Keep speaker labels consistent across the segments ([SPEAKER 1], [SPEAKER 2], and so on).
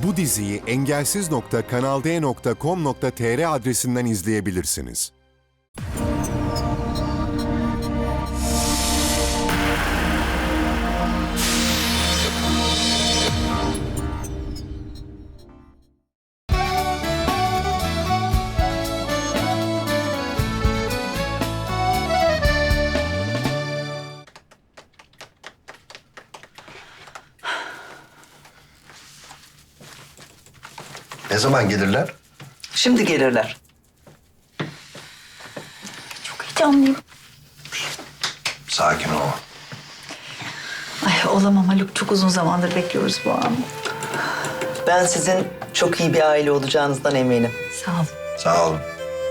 [SPEAKER 1] Bu diziyi engelsiz.kanalde.com.tr adresinden izleyebilirsiniz.
[SPEAKER 2] Ne zaman gelirler?
[SPEAKER 3] Şimdi gelirler.
[SPEAKER 4] Çok heyecanlıyım.
[SPEAKER 2] Sakin ol.
[SPEAKER 4] Ay olamam Haluk. Çok uzun zamandır bekliyoruz bu anı.
[SPEAKER 3] Ben sizin çok iyi bir aile olacağınızdan eminim.
[SPEAKER 4] Sağ ol.
[SPEAKER 2] Sağ olun.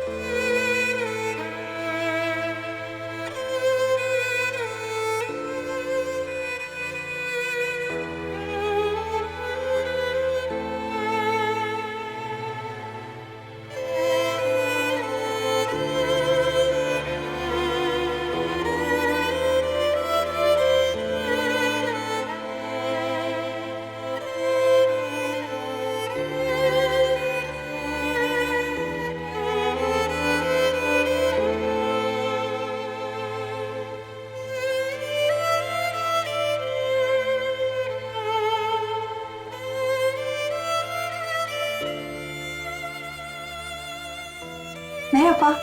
[SPEAKER 4] Merhaba.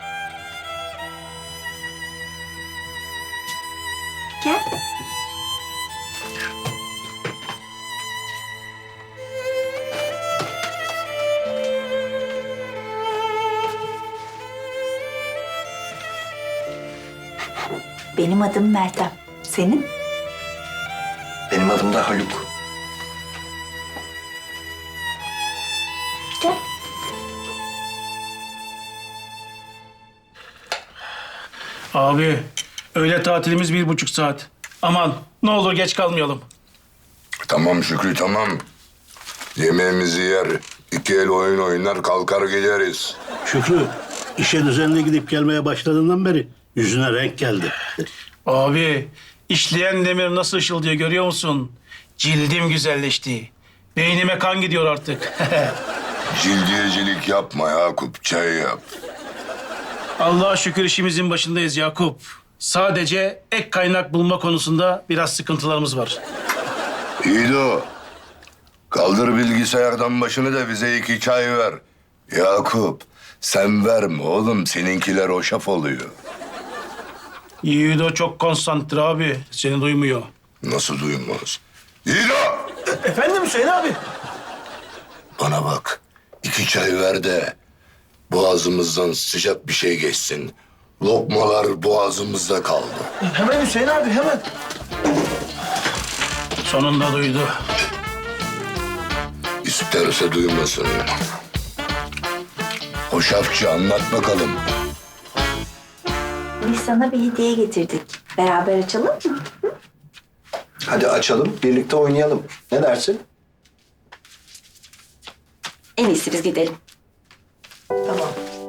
[SPEAKER 4] Gel. Benim adım Meltem. Senin?
[SPEAKER 2] Benim adım da Haluk.
[SPEAKER 4] Gel.
[SPEAKER 5] Abi, öğle tatilimiz 1,5 saat. Aman, ne olur geç kalmayalım.
[SPEAKER 6] Tamam Şükrü tamam. Yemeğimizi yer, iki el oyun oynar kalkar gideriz.
[SPEAKER 7] Şükrü, işe düzenli gidip gelmeye başladığından beri yüzüne renk geldi.
[SPEAKER 5] Abi, işleyen demir nasıl ışıldıyor görüyor musun? Cildim güzelleşti. Beynime kan gidiyor artık.
[SPEAKER 6] Cildiyecilik yapma Yakup, çay yap.
[SPEAKER 5] Allah'a şükür işimizin başındayız Yakup. Sadece ek kaynak bulma konusunda biraz sıkıntılarımız var.
[SPEAKER 6] İyi de o. Kaldır bilgisayardan başını da bize 2 çay ver. Yakup, sen verme oğlum, seninkiler hoşaf oluyor.
[SPEAKER 5] Yiğido çok konsantre abi. Seni duymuyor.
[SPEAKER 6] Nasıl duymaz? İdo!
[SPEAKER 5] Efendim Hüseyin abi?
[SPEAKER 6] Bana bak, 2 çay ver de boğazımızdan sıcak bir şey geçsin. Lokmalar boğazımızda kaldı.
[SPEAKER 5] Hemen Hüseyin abi hemen. Sonunda duydu.
[SPEAKER 6] İsterse duymasın. Hoşafçı anlat bakalım.
[SPEAKER 4] Biz sana bir hediye getirdik. Beraber açalım mı?
[SPEAKER 2] Hadi açalım, birlikte oynayalım. Ne dersin?
[SPEAKER 4] En iyisi biz gidelim.
[SPEAKER 3] Tamam.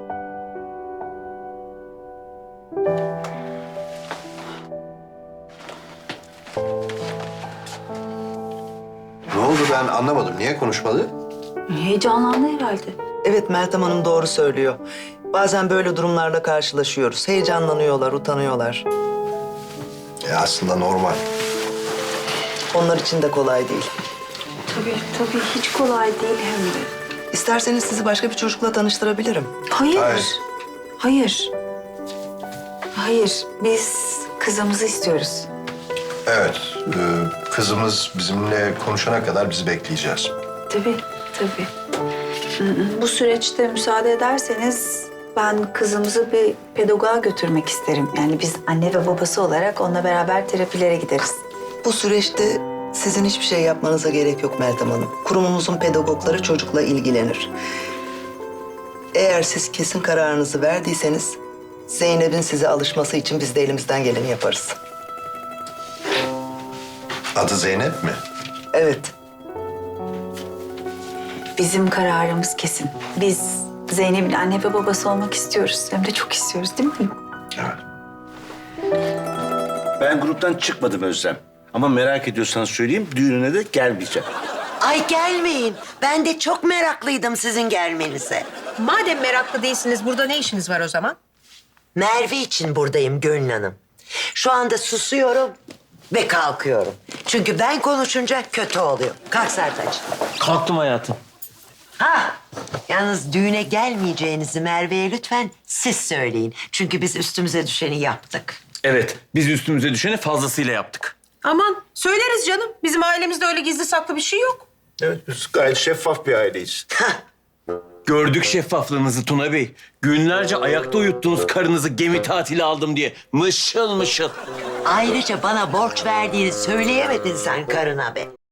[SPEAKER 2] Ne oldu ben anlamadım. Niye konuşmadı?
[SPEAKER 4] Heyecanlandı herhalde.
[SPEAKER 3] Evet, Meltem Hanım doğru söylüyor. Bazen böyle durumlarla karşılaşıyoruz. Heyecanlanıyorlar, utanıyorlar.
[SPEAKER 2] Aslında normal.
[SPEAKER 3] Onlar için de kolay değil.
[SPEAKER 4] Tabii hiç kolay değil hem de.
[SPEAKER 3] İsterseniz sizi başka bir çocukla tanıştırabilirim.
[SPEAKER 4] Hayır.
[SPEAKER 2] Hayır.
[SPEAKER 4] Hayır. Hayır. Biz kızımızı istiyoruz.
[SPEAKER 2] Evet, kızımız bizimle konuşana kadar bizi bekleyeceğiz.
[SPEAKER 4] Tabii. Bu süreçte müsaade ederseniz ben kızımızı bir pedagoğa götürmek isterim. Yani biz anne ve babası olarak onunla beraber terapilere gideriz.
[SPEAKER 3] Bu süreçte sizin hiçbir şey yapmanıza gerek yok Meltem Hanım. Kurumumuzun pedagogları çocukla ilgilenir. Eğer siz kesin kararınızı verdiyseniz Zeynep'in size alışması için biz de elimizden geleni yaparız.
[SPEAKER 2] Adı Zeynep mi?
[SPEAKER 3] Evet.
[SPEAKER 4] Bizim kararımız kesin. Biz Zeynep'in anne ve babası olmak istiyoruz. Hem de çok istiyoruz değil mi?
[SPEAKER 2] Evet.
[SPEAKER 7] Ben gruptan çıkmadım Özlem. Ama merak ediyorsan söyleyeyim, düğününe de gelmeyeceğim.
[SPEAKER 8] Ay gelmeyin. Ben de çok meraklıydım sizin gelmenize.
[SPEAKER 9] Madem meraklı değilsiniz, burada ne işiniz var o zaman?
[SPEAKER 8] Merve için buradayım Gönül Hanım. Şu anda susuyorum ve kalkıyorum. Çünkü ben konuşunca kötü oluyor. Kalk Sertaç.
[SPEAKER 10] Kalktım hayatım.
[SPEAKER 8] Ha, yalnız düğüne gelmeyeceğinizi Merve'ye lütfen siz söyleyin. Çünkü biz üstümüze düşeni yaptık.
[SPEAKER 10] Evet, biz üstümüze düşeni fazlasıyla yaptık.
[SPEAKER 9] Aman söyleriz canım. Bizim ailemizde öyle gizli saklı bir şey yok.
[SPEAKER 2] Evet, biz gayet şeffaf bir aileyiz.
[SPEAKER 10] Gördük şeffaflığınızı Tuna Bey. Günlerce ayakta uyuttunuz karınızı gemi tatili aldım diye. Mışıl mışıl.
[SPEAKER 8] Ayrıca bana borç verdiğini söyleyemedin sen karına be.